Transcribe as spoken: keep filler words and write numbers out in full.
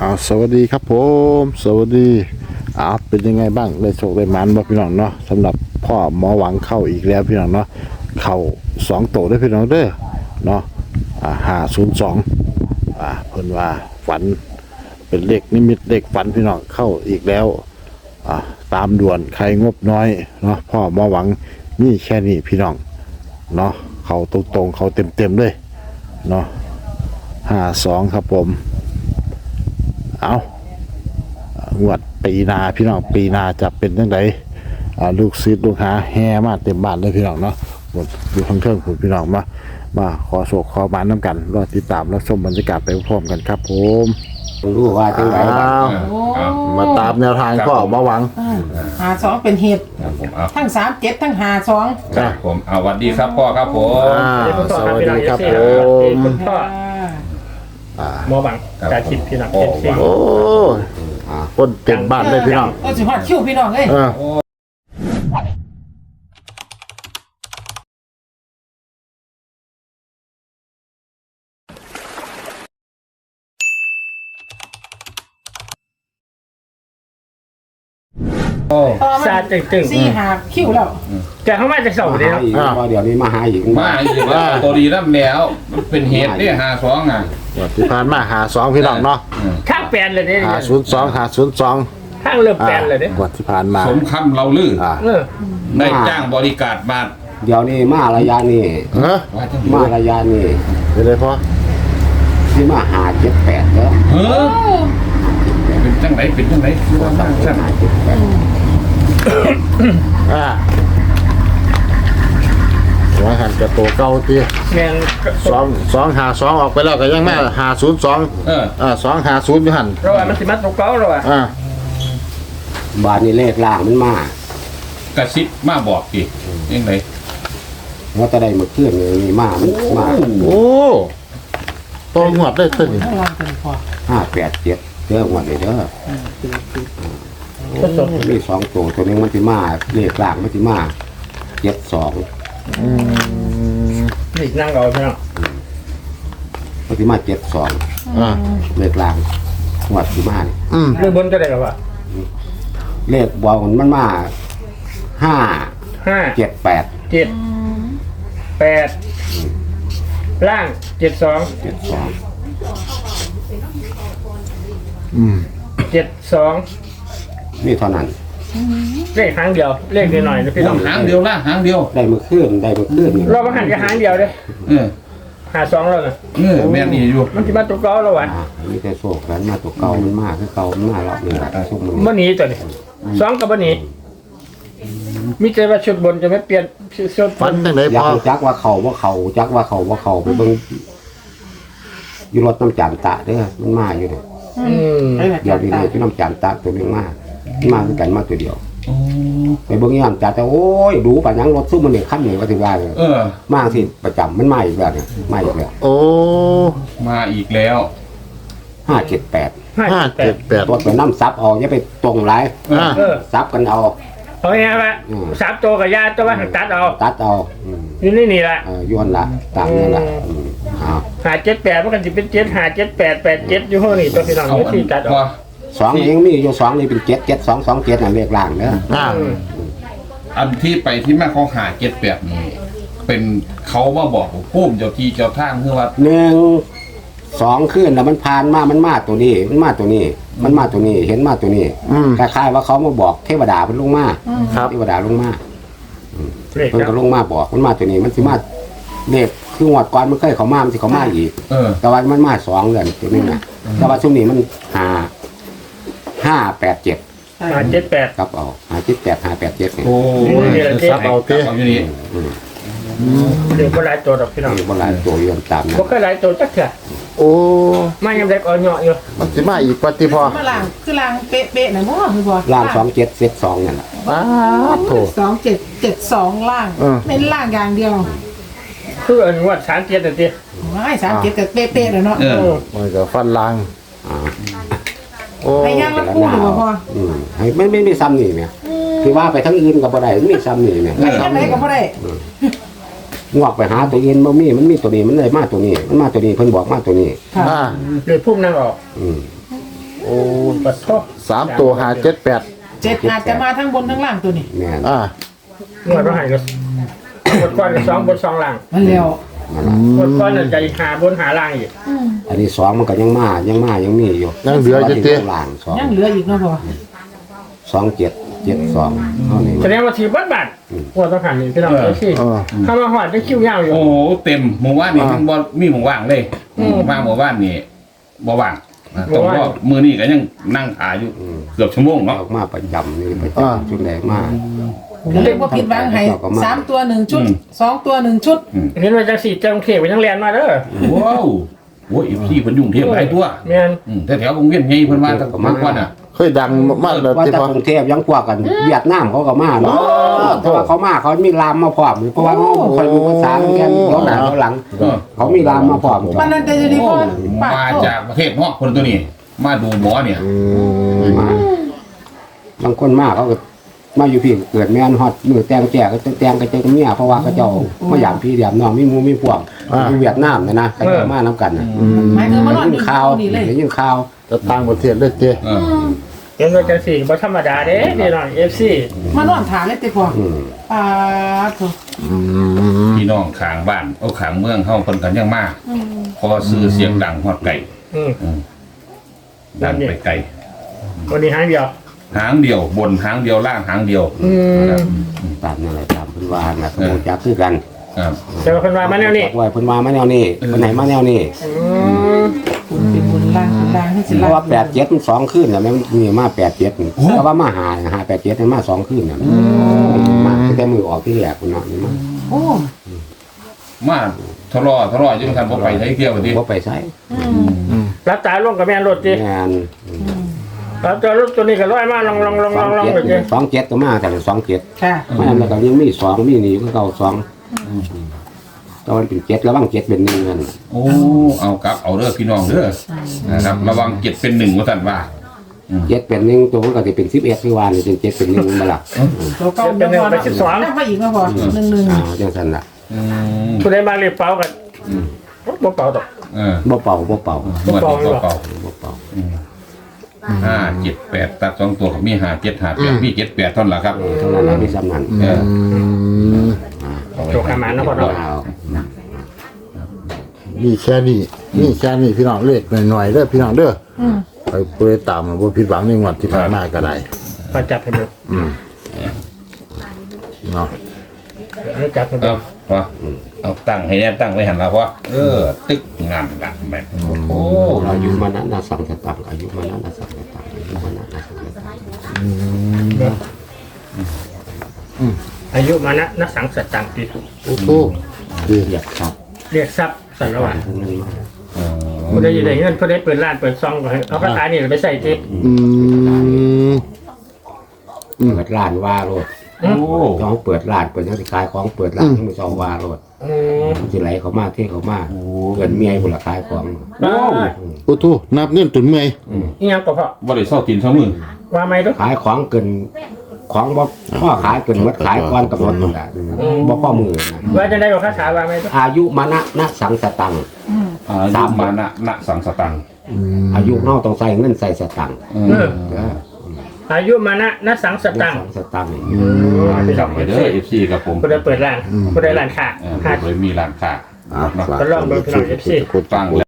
เอาสวัสดีครับผมสวัสดีเอาเป็นยังไงบ้างได้โชคได้หมันบ่พี่น้องเนาะสำหรับพ่อหมอหวังเข้าอีกแล้วพี่น้องเนาะเข้าสองโตได้พี่น้องเด้อเนาะอ่าห้าศูนย์สองอ่าเพิ่นว่าฝันเป็นเลขนิมิตเลขฝันพี่น้องเข้าอีกแล้วอ่าตามด่วนใครงบน้อยเนาะพ่อหมอหวังมีแค่นี้พี่น้องเนาะเข้าตรงๆเข้าเต็มๆเลยเนาะห้าสองครับผมเอางวดปีนาพี่น้องปีนาจะเป็นยังไงลูกศิษย์ลูกหาแห่มาเต็มบ้านเลยพี่น้องเนาะหมดอยู่ข้างเครื่องคุณพี่น้องมามาขอโศกขอมาน้ำกันรอติดตามรับชมบรรยากาศไปพร้อมกันครับผมรู้ว่าจังไหนมาตามแนวทางพ่อมาหวังหาสองเป็นเหตุทั้งสามเจ็ดทั้งหาสองครับผมเอาสวัสดีครับพ่อครับผมสวัสดีครับผมคุณพ่อหมอหวังการคิดพี่น้องโอ้คนเต็มบ้านเลยพี่น้องก็สิฮอดคิวพี่น้องเลยซาตึงตึงสี่หาคิวแล้วแกเข้ามาจะส่งเดียวเดี๋ยวนี้มาหาอีกมาอีกแล้วตัวดีน้ำแล้วมันเป็นเหตุที่หาสองอ่ะที่ผ่านมาหาสองพี่น้องเนาะข้างแปลนเลยเนี่ยหาศูนย์สองหาศูนย์สองข้างเริ่มแปลนเลยเนี่ยวันที่ผ่านมาสมคำเราลือได้จ้างบริการมาเดี๋ยวนี้มาระยะนี้มาระยะนี้เป็นไรพ่อที่มาหาเจ็ดแปดแล้วเฮ้อเป็นจังไหนเป็นจังไหนว่าตั้งจังอ่าหัวหันกระโตเก้าตีแมนสองสองหาสองออกไปแล้วก็ยังแม่หาศูนย์สองเอออ่าสองหาศูนย์อยู่หันเราว่ามันสิมาตกเก้าเราอ่ะอ่าบานนี้เลขล่างมันมากระซิบมาบอกอีกยังไงว่าจะได้มาเคลื่อนเลยมีมามันมาโอ้ตองหัวได้ตึ้งห้าแปดเจ็ดเด้อหัวเลยเด้อมีสองตัวตัวนึงมันติมาเลขล่างมันติมาเจ็ดสองนี่นั่งรอใช่ไหมมันติมาเจ็ดสองเลขล่างหัวติมาเนี่ยเลขบนก็ได้หรอวะเลขบอลมันมาห้าห้าเจ็ดแปดเจ็ดแปดล่างเจ็ดสองเจ็ดสองเจ็ดสองนี่เท่านั้นเลขหางเดียวเลขหน่อยนะพี่น้องหางเดียวนะหางเดียวได้มาเคลื่อนได้มาเคลื่อนเรามาหันกับหางเดียวเลยเออหาสองแล้วนะเออแม่นี่อยู่มันจะมาตัวเก่าแล้ววะนี่แต่โซ่กันมาตัวเก่ามันมากคือเก่ามันมากรอบนี้ช่วงนี้มันหนีตัวนี้สองกับมันหนีมิเจว่าชุดบนจะไม่เปลี่ยนชุดฟันตั้งไหนอยากจักว่าเขาว่าเขาจักว่าเขาว่าเขาไปเบิ่งอยู่รถน้ำจานตะเด้อมันมาอยู่เด้อเดี๋ยวนี้เลยพี่น้ำจานตะตัวนึงมามาด้วยกันมาตัวเดียวไปเบิ่งย่างจานแต่โอ้ยดูป่ะยังรถซุ่มมันเนี่ยขั้นหนึ่งก็ถึงว่าเลยมาสิประจำมันมาอีกแล้วเนี่ยมาอีกแล้วโอ้มาอีกแล้วห้าเจ็ดแปดห้าเจ็ดแปดตัวเป็นน้ำซับเอาอย่าไปตรงไรซับกันเอาเอาไงวะซับตัวกับยาตัวว่าตัดเอาตัดเอานี่นี่นี่ละย้อนละตามนั่นละหาเจ็ดแปดมันกันจะเป็นเจ็ดหาเจ็ดแปดแปดเจ็ดอยู่ห้องนี่ตัวพี่น้องนี่ที่ตัดเอาสองยังมีอยู่สองนี่เป็นเจ็ดเจ็ดสองสองเจ็ดน่ะเลขล่างเนอะอันที่ไปที่แม่เขาหาเจ็ดแปดนี่เป็นเขามาบอกพุ่มเจ้าที่เจ้าทางคือว่าหนึ่งสองขึ้นแล้วมันผ่านมามันมาตัวนี้มันมาตัวนี้มันมาตัวนี้เห็นมาตัวนี้คล้ายๆว่าเขามาบอกเทวดาเป็นลงมาเทวดาลงมาเพิ่นก็ลงมาบอกมันมาตัวนี้มันสิมาเลขคือหวดก่อนมันเคยเขามามันสิเขามาอีกแต่ว่ามันมาสองเดือนตัวนี้นะแต่ว่าช่วงนี้มันหาห้าแปดเจ็ดหาเจ็ดแปดครับเอาหาเจ็ดแปดหาแปดเจ็ดโอ้ยซับเอาเต้อยู่นี่เดี๋ยวก็หลายตัวดอกพี่น้องก็หลายตัวอยู่ตามนะก็หลายตัวจักเถอะโอ้ไม่ยังเด็กอ่อนเหาะอยู่มันจะมาอีกปฏิพอมาล่างคือล่างเป๊ะๆนะพ่อคือพ่อล่างสองเจ็ดเซตสองนั่นแหละอ้าโถสองเจ็ดเจ็ดสองล่างเป็นล่างอย่างเดียวคืออันวัดสามเจ็ดแต่เดียวไม่สามเจ็ดแต่เป๊ะๆเลยเนาะมันก็ฟันล่างโอ้ยยังละคู่หรือเปล่าพ่อไม่ไม่ไม่ซ้ำนี่เนี่ยคือว่าไปทั้งอื่นกับอะไรไม่ซ้ำนี่เนี่ยไม่ซ้ำไหนกับอะไรงอกไปหาตัวเอ็นบ่มีมันมีตัวนี้มันเลยมาตัวนี้มันมาตัวนี้เพิ่นบอกมาตัวนี้เลยพุ่มนั่งออกโอ้ปัดโทษสามตัวห้าเจ็ดแปดเจ็ดอาจจะมาทั้งบนทั้งล่างตัวนี้แม่นอ่างวดต้องให้ก็บทก้อนสองบทสองล่างมันแล้วบทก้อนจะหาบนหาล่างอีกอันนี้สองมันก็ยังมายังมายังมีอยู่ยังเหลือจะเตี้ยล่างสองยังเหลืออีกเนาะพ่อสองเจ็ดเจ็ดสองเท่านี้แสดงว่าถือบัตรบัตรงวดต้องหันนี่พี่น้องเอฟซีเออเข้ามาหอดได้คิวยาวอยู่โอ้โหเต็มหมู่บ้านนี่มันบ่มีหมู่ว่างเลยอืมมาหมู่บ้านนี่บ่ว่างนะบ่ต้องว่างรอมือนี่ก็ยังนั่งอาอยู่เกือบชั่วโมงเนาะออกมาประจำนี่ประอ่าจำชุดแรกมาก็เลยว่าผิดหวังให้สามตัวหนึ่งชุดสองตัวหนึ่งชุดเห็นว่าจังสี่จังเทพไปทั้งแลนมาเด้อว้าวโอ้ยอีพี่เพิ่นยุ่งเทียบหลายตัวแม่นอืมแต่แถววงเวียนไงเพิ่นว่าตั้งแต่ก่อนน่ะเคยดังมากเลยว่าที่แต่พอกรุงเทพยังกว่ากันเวียดนามเขาก็มาเนาะแต่ว่าเขามาเขามีรามมาพร้อมเพราะว่าเขาคอยรู้ภาษาเหมือนกันย้อนหน้าย้อนหลัง เขามีรามมาพร้อมมันนั่นแต่จะดีโอ้พ่อปามาดโทษจากประเทศนอกคนตัวนี้ มาดูหมอเนี่ยมาบางคนมาเขาก็มาอยู่พี่เกิดแม่นฮอดมือแตงแจกก็แตงก็เจอเมียเพราะว่าเขาเจ้ามาหยามพี่หยามน้องมีหมูมีพวกอยู่เวียดนามนะนะเขาจะมาน้ำกันนะหมายถึงมันนอนยิอน ยู่ข่าวนี่เลยยินข่าวจะต่างประเทศเลยเจ้เออเห็นว่าจังสี่บ่ธรรมดาเด้พี่น้องเอฟซีมานอนถามเลยติพ่ออืมปาดโทษอืมพี่น้องข้างบ้านเอาข้างเมืองเฮาเพิ่นกันยังมาพอซื้อเสียงดังฮอดไกลอืมอืมดันไปไกลวันนี้หางเดียวหางเดียวบนหางเดียวล่างหางเดียวอืมตามนั่นแหละตามเพิ่นว่าน่ะสมมุติจักคือกันครับแต่ว่าเพิ่นว่ามาแนวนี้ไว้เพิ่นว่ามาแนวนี้เพิ่นไหนมาแนวนี้อืมคุณเป็นบุญล่างคุณล่างให้สิเพล่าราะงว่าแปดเจ็ดมันสองคืนน่ะแม่นมีมาแปดเจ็ดแต่ว่ามาหาหาแปดเจ็ดมันมาสองคืนน่ะมาตั้งแต่มือออกที่แรกคุณเนาะนี่มาโอ้มาทะเลาะทะเลาะอยู่กันบ่ไปไทยเที่ยวกันดิบ่ไปใช้รับตาลงกับแม่นรถจิงานรับตัวรถตัวนี้ก็ร้อยมาลองลองลองสลออง งลองเจ็ดไปจิสองเจ็ดก็มาแต่สองเจ็ดค่ะมันแล้วก็ยังมีสองมีนี่ก็เก่าสองตอนเป็นเจ็ดระวังเจ็ดเป็นหนึ่งเงินโอ้เอากลับเอาเด้อพี่น้องเด้อนะครับระวังเจ็ดเป็นหนึ่งว่าซั่นว่าเจ็ดเป็นหนึ่งตัวมันก็จะเป็นสิบเอ็ดที่วานนี่เป็นเจ็ดเป็นหนึ่งมาละตัวเก่าเดี๋ยวพอนะได้มาอีกแล้วพอหนึ่งหนึ่งอ่าจังสันละอืมผู้ใดมาเรียกเป่ากันบ่เป่าดอกเออบ่เป่าบ่เป่าหมวดนี้เป่าบ่เป่าๆห้าเจ็ดแปดตัดสองตัวก็มีห้าเจ็ดห้าแปดมีเจ็ดแปดเท่านั้นล่ะครับเท่านั้นแหละมีสำนันเอออืมเอาไว้โจกขามานะพ่อเนาะเอามีแค่นี้มีแค่นี้พี่น้องเล็กหน่อยๆเด้อพี่น้องเด้ออไปเพื่อตามมาบ่ผิดหวังในงวดที่ผ่านมาก็ได้มาจับให้ดูอืมเนาะให้จับให้ดูเอาพอเอาตั้งให้แน่ตั้งไว้หันละพอเออ ตึกงามละแม่นโอ้อายุมานั้นนะสังสตังอายุมานั้นนะสังสตังอายุมานั้นนะสังสตังอายุมานะนักสังสตังติโอ้โหดีเรียกครับเรียกทรัพย์สันระหว่างทั้งนั้นมาเออผู้ใดอยู่ได้เงินผู้ใดเปิดร้านเปิดซองก็ให้เอาคาถานี่ไปใส่ติอืมเปิดร้านว่าโลดโอ้ต้องเปิดร้านเปิดนักขายของเปิดร้านที่มันจะว่าโลดอืมมันสิไหลเขามาเท่เขามาเกินเมียบุรขายของโอ้โอ้โหนับเงินตุนเมื่อยอีหยังก็พอบ่ได้เศร้าตีนเศร้ามือว่าไม่ดูขายของเกินของบ่พ่อขายเกินหมดขายก่อนกับหมดนั่นแหละบ่พ่อมือนะว่าจะได้บอกคาถาว่าไม่ดูอายุมานะนะสังสตังค์อายุมานะนะสังสตังค์อายุเฮาต้องใส่เงินใส่สตังค์เอเอออเด้ออายุมานะนักสังสตังสังสตังค์จำไว้เด้อ เอฟ ซี กับผมผู้ใดเปิดร้านผู้ใดร้านค้าเออค้าโดยมีร้านค้าอ่ะเนาะฝากก็ลองดูพี่น้อง เอฟ ซีคุณฟัง